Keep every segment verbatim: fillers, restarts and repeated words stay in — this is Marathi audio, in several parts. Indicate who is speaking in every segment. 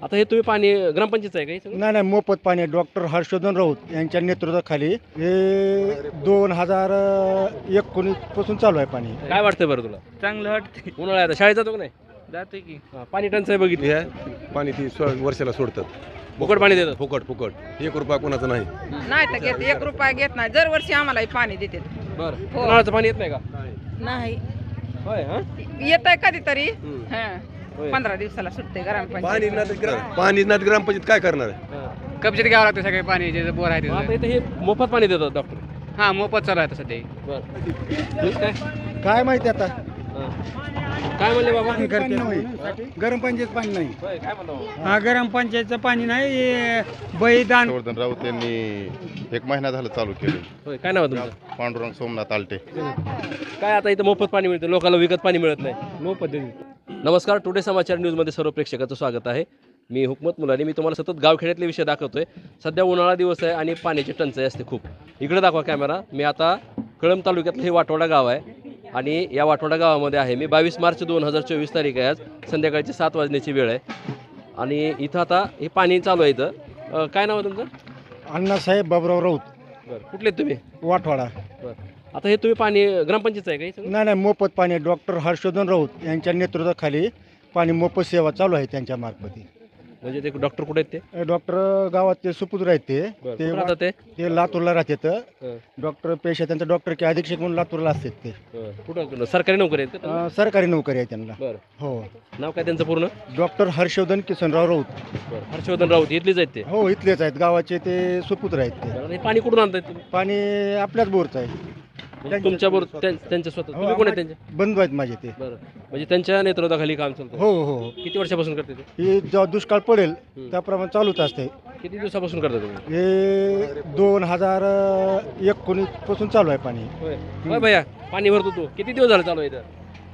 Speaker 1: आता हे तुम्ही पाणी ग्रामपंचायत आहे का हे सगळं?
Speaker 2: नाही नाही मोफत पाणी डॉक्टर हर्षवर्धन राऊत यांच्या नेतृत्वाखाली हे दोन हजार एकोणीस पासून चालू आहे पाणी.
Speaker 1: काय वाटतंय बरं तुला?
Speaker 3: चांगलं वाटते.
Speaker 1: उन्हाळा आहे आता, शाळेत जातो का नाही?
Speaker 3: जाते की
Speaker 1: हा, पाणी टंचाई बघितली,
Speaker 4: हे पाणी ती स्व- वर्षाला सोडतात
Speaker 1: फुकट पाणी देतात.
Speaker 4: फुकट फुकट एक रुपया कोणाचा नाही.
Speaker 5: नाही तर घेत एक रुपया घेत नाही दरवर्षी आम्हाला पाणी देते.
Speaker 1: बरं,
Speaker 5: हो.
Speaker 1: उन्हाळ्याचं पाणी येत नाही का?
Speaker 5: नाही
Speaker 1: होय. हा
Speaker 5: येत आहे कधीतरी
Speaker 1: हम्म.
Speaker 5: हा.
Speaker 1: होय.
Speaker 5: पंधरा दिवसाला सुटते
Speaker 4: पाणी
Speaker 5: ग्रामपंचायत.
Speaker 4: नाही तर ग्राम पाणी नाही तर ग्रामपंचायत काय करणार आहे?
Speaker 1: हा.
Speaker 3: कपचित घ्यावं लागतं सगळे पाणी जे बोर आहे
Speaker 1: मग आता
Speaker 3: त्याचं.
Speaker 1: इथे हे मोफत पाणी देतात डॉक्टर.
Speaker 3: हा मोफत चालू आहे आता सध्या.
Speaker 1: बरं ठीक आहे.
Speaker 2: काय माहिती आता
Speaker 1: हा. काय म्हणले बाबा?
Speaker 2: पाणी नाही. गरम पंचायत पाणी नाही.
Speaker 1: होय, काय म्हणतो?
Speaker 6: हा गरम पंचायतचं पाणी नाही बळीदान
Speaker 7: हर्षवर्धन राऊत यांनी एक महिना झालं चालू केले.
Speaker 1: होय, काय नाव आहे तुमचं?
Speaker 7: पांडुरंग सोमनाथ आलटे.
Speaker 1: काय आता इथं मोफत पाणी मिळतं, लोकांना विकत पाणी मिळत नाही. मोफत देते. नमस्कार, टुडे समाचार न्यूजमध्ये सर्व प्रेक्षकाचं स्वागत आहे. मी हुकमत मुलानी. मी तुम्हाला सतत गावखेड्यातले विषय दाखवतोय. सध्या उन्हाळा दिवस आहे आणि पाण्याची टंचाई असते खूप. इकडे दाखवा कॅमेरा. मी आता कळंब तालुक्यातलं हे वाटोडा गाव आहे आणि या वाटोडा गावामध्ये आहे मी. बावीस मार्च दोन हजार चोवीस तारीख आहे. आज संध्याकाळची सात वाजण्याची वेळ आहे आणि इथं आता हे पाणी चालू आहे. इथं अं, काय नाव आहे तुमचं?
Speaker 2: अण्णासाहेब बाबराव राऊत
Speaker 1: बरं, कुठले आहेत तुम्ही?
Speaker 2: वाठवाडा.
Speaker 1: बरं, आता हे तुम्ही पाणी ग्रामपंचायत आहे का हे सगळं?
Speaker 2: नाही नाही मोफत पाणी डॉक्टर हर्षवर्धन राऊत यांच्या नेतृत्वाखाली पाणी मोफत सेवा चालू आहे त्यांच्या मार्फत.
Speaker 1: म्हणजे ते डॉक्टर कुठे आहेत ते?
Speaker 2: डॉक्टर गावात ते सुपुत्र आहेत ते
Speaker 1: बरं,
Speaker 2: ते
Speaker 1: कुठं राहतात ते?
Speaker 2: ते लातूरला राहतात.
Speaker 1: हं,
Speaker 2: डॉक्टर पेशा त्यांचा डॉक्टर के अधीक्षक म्हणून लातूरला असतात ते.
Speaker 1: हं. कुठं कुठं? सरकारी नोकरी आहेत का?
Speaker 2: अं, सरकारी नोकरी आहे त्यांना.
Speaker 1: बरं,
Speaker 2: हो
Speaker 1: नाव काय त्यांचं पूर्ण?
Speaker 2: डॉक्टर हर्षवर्धन किसनराव राऊत.
Speaker 1: बरं, हर्षवर्धन राऊत इथलीच आहेत ते?
Speaker 2: हो इथलेच आहेत गावाचे ते सुपुत्र आहेत ते.
Speaker 1: बरं, हे पाणी कुठून आणतायत तुम्ही?
Speaker 2: पाणी आपल्याच बोरचं आहे.
Speaker 1: म्हणजे तुमच्या बरोबर त्यां- त्यांच्या स्वतः
Speaker 2: हो,
Speaker 1: तुम्ही कोण आहे त्यांचे?
Speaker 2: बंधू आहेत माझे ते.
Speaker 1: बरं, म्हणजे त्यांच्या नेतृत्वाखाली काम चालतं.
Speaker 2: हो हो हो
Speaker 1: किती वर्षापासून करते ते?
Speaker 2: हे जेव्हा दुष्काळ पडेल
Speaker 1: हं.
Speaker 2: त्याप्रमाणे चालूच असते.
Speaker 1: किती दिवसापासून करता तुम्ही?
Speaker 2: हे दोन हजार एकोणीस पासून चालू आहे पाणी.
Speaker 1: होय होय भैया, पाणी भरतो तू किती दिवस झाले चालू आहे इथं?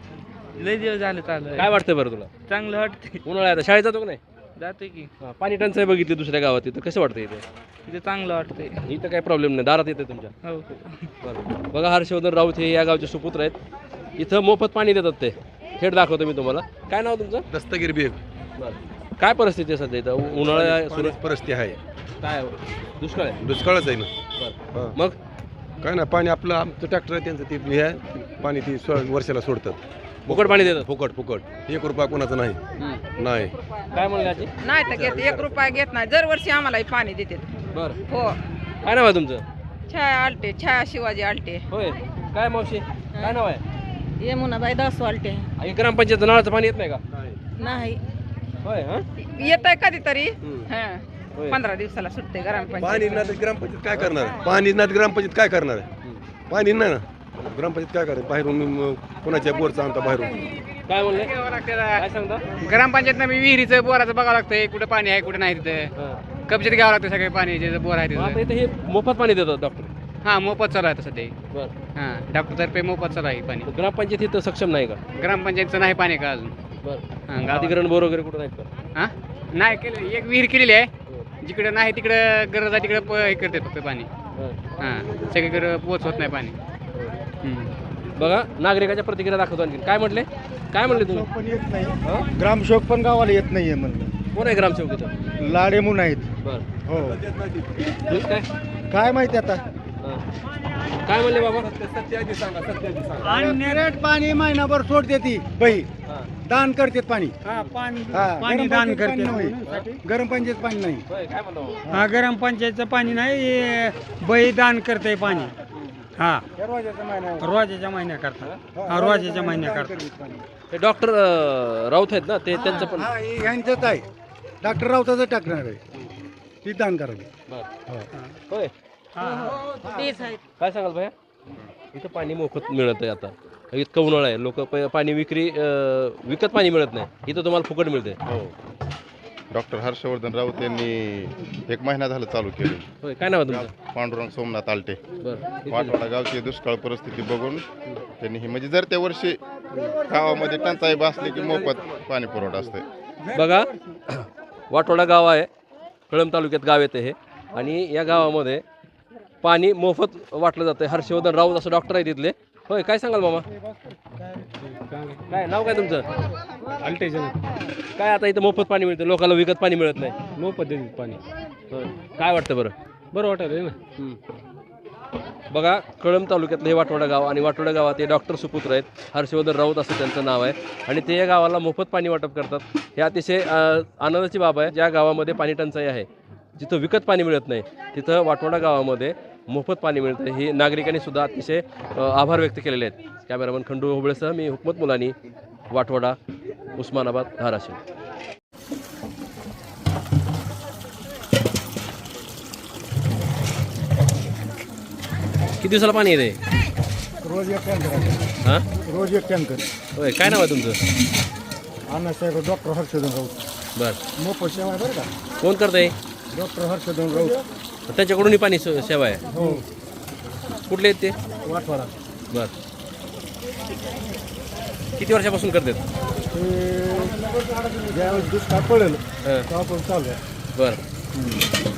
Speaker 3: लय दिवस झालं चालू आहे.
Speaker 1: काय वाटतंय बरं तुला?
Speaker 3: चांगलं वाटते.
Speaker 1: उन्हाळा आहे आता, शाळेत जातो का नाही?
Speaker 3: जाते की
Speaker 1: हा, पाणी टंचाई बघितली दुसऱ्या गावात, इथं कसं वाटतं इथे?
Speaker 3: तिथे चांगलं वाटते.
Speaker 1: इथं काही प्रॉब्लेम नाही, दारात येते तुमच्या.
Speaker 3: हो
Speaker 1: बरं, बघा हर्षवर्धन राऊत हे या गावचे सुपुत्र आहेत. इथं मोफत पाणी देतात ते. थेट दाखवतो मी तुम्हाला. काय नाव तुमचं?
Speaker 4: दस्तगीर बेग
Speaker 1: बरं, काय परिस्थिती आहे सध्या इथं? उ- उन्हाळा आहे, सुरू
Speaker 4: परिस्थिती आहे.
Speaker 1: काय दुष्काळ आहे?
Speaker 4: दुष्काळच आहे ना.
Speaker 1: बरं,
Speaker 4: हा.
Speaker 1: मग
Speaker 4: काय ना पाणी आपलं आमचं ट्रॅक्टर आहे त्यांचं ते हे आहे, पाणी ती स्व- वर्षाला सोडतात
Speaker 1: फुकट पाणी देतात.
Speaker 4: फुकट फुकट एक रुपया कोणाचा नाही.
Speaker 1: हं.
Speaker 4: नाही
Speaker 1: काय म्हणले आजी?
Speaker 5: नाही तर घेत एक रुपया घेत नाही दरवर्षी आम्हाला पाणी देते.
Speaker 1: बरं,
Speaker 5: हो
Speaker 1: काय नाव आहे तुमचं?
Speaker 5: छाया आलटे छाया शिवाजी आलटे.
Speaker 1: होय, काय मावशी काय नाव आहे?
Speaker 5: यमुनाबाई दासू आलटे.
Speaker 1: आणि ग्रामपंचायत नळाचं पाणी येत नाही का?
Speaker 5: नाही
Speaker 1: होय. हा
Speaker 5: येत आहे कधीतरी
Speaker 1: हं.
Speaker 5: हा.
Speaker 1: होय.
Speaker 5: पंधरा दिवसाला सुटते
Speaker 4: पाणी
Speaker 5: ग्रामपंचायत.
Speaker 4: नाही तर ग्रामपंचायत काय करणार आहे? पाणी नाही तर ग्रामपंचायत काय करणार आहे? पाणी नाही ना, ग्रामपंचायत काय करते? बाहेरून म, कोणाच्या बोरचा आणता बाहेरून.
Speaker 1: काय म्हणले? काय सांगता?
Speaker 3: ग्रामपंचायतनं मी विहिरीचं बोराचं बघावं लागतंय कुठे पाणी आहे कुठे नाही तिथे.
Speaker 1: हा.
Speaker 3: कपचित घ्यावं लागतं सगळे पाणी जे बोर आहे
Speaker 1: मग आता
Speaker 3: तिथे.
Speaker 1: इथे हे मोफत पाणी देतात डॉक्टर.
Speaker 3: हा मोफत चालू आहे आता सध्या.
Speaker 1: बरं,
Speaker 3: हा डॉक्टरतर्फे मोफत चालू आहे पाणी.
Speaker 1: ग्रामपंचायत इथं सक्षम नाही का?
Speaker 3: ग्रामपंचायतचं नाही पाणी का अजून.
Speaker 1: बरं,
Speaker 3: हा गावात.
Speaker 1: अधिकरण बोर वगैरे कुठं नाहीत का?
Speaker 3: हा नाही केलं. एक विहीर केलेली आहे. जिकडे नाही तिकडे गरज आहे तिकडे प- हे करते फक्त पाणी.
Speaker 1: हं.
Speaker 3: हां सगळीकडे पोचवत नाही पाणी. हम्म.
Speaker 1: बघा नागरिकाच्या प्रतिक्रिया दाखवतो आणखी. काय म्हटले? काय म्हणले तुम्ही?
Speaker 2: पण येत नाही.
Speaker 1: हं?
Speaker 2: ग्रामसेवक पण गावाला येत नाहीये म्हणलं.
Speaker 1: कोण आहे ग्रामसेवक इथं?
Speaker 2: लाडे म्हणून आहेत.
Speaker 1: बरं,
Speaker 2: हो
Speaker 1: ठीक काय?
Speaker 2: काय माहिती आता.
Speaker 1: हं. काय म्हणले बाबा?
Speaker 2: आणि नेरेट पाणी महिनाभर सोडते ती बाई
Speaker 1: हां.
Speaker 2: दान करते पाणी.
Speaker 6: हा पाणी
Speaker 2: हा,
Speaker 6: पाणी
Speaker 2: गरम
Speaker 6: दान
Speaker 2: पंचायत पाणी
Speaker 6: करते.
Speaker 2: नाही. गरम पंचायत पाणी नाही.
Speaker 1: होय, काय म्हणतो?
Speaker 6: हा गरम पंचायतचं पाणी नाही हे बळीदान करते पाणी. हा रोजाच्या महिन्या करता. हा रोजाच्या महिन्या करता.
Speaker 1: हे डॉक्टर राऊत आहेत ना, ते त्यांचं पण.
Speaker 2: हा, हे यांचंच आहे. डॉक्टर राऊताचं टाकणार आहे ती दान करावी.
Speaker 1: बरं. होय,
Speaker 5: तेच आहेत.
Speaker 1: काय सांगाल भैया? इथं पाणी मोफत मिळत आहे आता. इतकं उन्हाळा आहे, लोक पाणी विक्री अं, विकत पाणी मिळत नाही. इथं तुम्हाला फुकट मिळते.
Speaker 7: हो डॉक्टर हर्षवर्धन राऊत यांनी एक महिना झालं चालू केले.
Speaker 1: होय, काय नाव आहे तुमचं?
Speaker 7: पांडुरंग सोमनाथ आलटे.
Speaker 1: बरं,
Speaker 7: वाटवाडा गावची दुष्काळ परिस्थिती बघून त्यांनी ही म्हणजे जर त्या वर्षी गावामध्ये टंचाई भासली की मोफत पाणी पुरवठा असते.
Speaker 1: बघा वाटोडा गाव आहे, कळंब तालुक्यात गाव येते हे. आणि या गावामध्ये पाणी मोफत वाटलं जातं. हर्षवर्धन राऊत असं डॉक्टर आहे तिथले, होय, काय सांगाल मामा? काय नाव काय तुमचं?
Speaker 6: अल्टेजन
Speaker 1: काय आता इथं मोफत पाणी मिळतं, लोकांना विकत पाणी मिळत नाही.
Speaker 6: मोफत देतील पाणी.
Speaker 1: होय. काय वाटतं बरं?
Speaker 6: बरं वाटत आहे ना.
Speaker 1: बघा, कळंब तालुक्यातलं हे वाटोडा गाव आणि वाटोडा गावात हे डॉक्टर सुपुत्र आहेत, हर्षवर्धन राऊत असं त्यांचं नाव आहे आणि ते या गावाला मोफत पाणी वाटप करतात. हे अतिशय अ, आनंदाची बाब आहे. ज्या गावामध्ये पाणी टंचाई आहे, जिथं विकत पाणी मिळत नाही, तिथं वाटोडा गावामध्ये मोफत पाणी मिळतं. ही नागरिकांनी सुद्धा अतिशय अ, आभार व्यक्त केलेले आहेत. कॅमेरामन खंडू होबळेसह मी हुकमत मुलानी, वाटोडा, उस्मानाबाद, धाराशिव. किती दिवसाला पाणी येते?
Speaker 2: रोज एक टँकर
Speaker 1: हां,
Speaker 2: रोज एक टँकर
Speaker 1: होय. काय नाव आहे तुमचं?
Speaker 2: अण्णासाहेब डॉक्टर हर्षवर्धन राऊत
Speaker 1: बरं,
Speaker 2: मोफत सेवा आहे बरं का.
Speaker 1: कोण करतंय?
Speaker 2: डॉक्टर हर्षवर्धन राऊत
Speaker 1: त्यांच्याकडून ही पाणी सो- सेवा आहे.
Speaker 2: हो
Speaker 1: कुठले आहेत ते?
Speaker 2: वाटवाडा.
Speaker 1: बर, किती वर्षापासून करतात?
Speaker 2: ते ज्यावेळेस दुष्काळ पडेल
Speaker 1: हां,
Speaker 2: तेव्हापासून चालू आहे.
Speaker 1: बरं.